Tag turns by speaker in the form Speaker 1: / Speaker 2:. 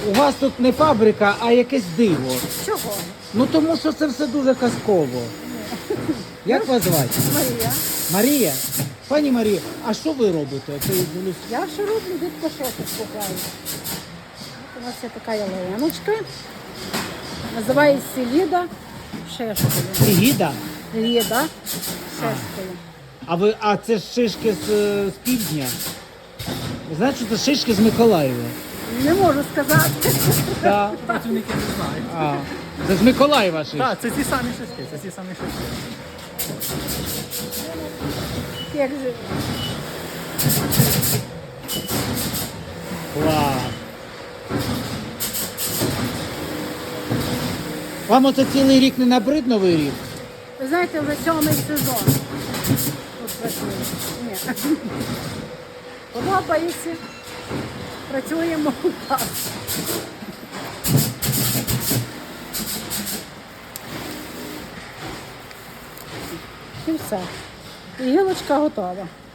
Speaker 1: у вас тут не фабрика, а якесь диво.
Speaker 2: Чого?
Speaker 1: Ну тому що це все дуже казково. Як вас звати?
Speaker 2: Марія.
Speaker 1: Марія? Пані Марія, а що ви робите? Це я дивлюсь.
Speaker 2: Я що роблю, дітко шоки купляю. От у нас є така ялиночка. Називається Ліда шишкою.
Speaker 1: Гіда?
Speaker 2: Ліда шишкою.
Speaker 1: А це ж шишки з півдня. Ви знаєте, що це шишки з Миколаєва?
Speaker 2: Не можу сказати.
Speaker 1: Так.
Speaker 3: Працівники не знають.
Speaker 1: А, це з Миколаєва шишки.
Speaker 3: Так, це ті самі шишки, це ті самі шишки.
Speaker 2: Як же?
Speaker 1: Клас. Вам оце цілий рік не набрид Новий рік?
Speaker 2: Ви знаєте, вже 7-й сезон. Тут працюємо. Ні. Подобається. Працюємо так. І все. І гілочка готова.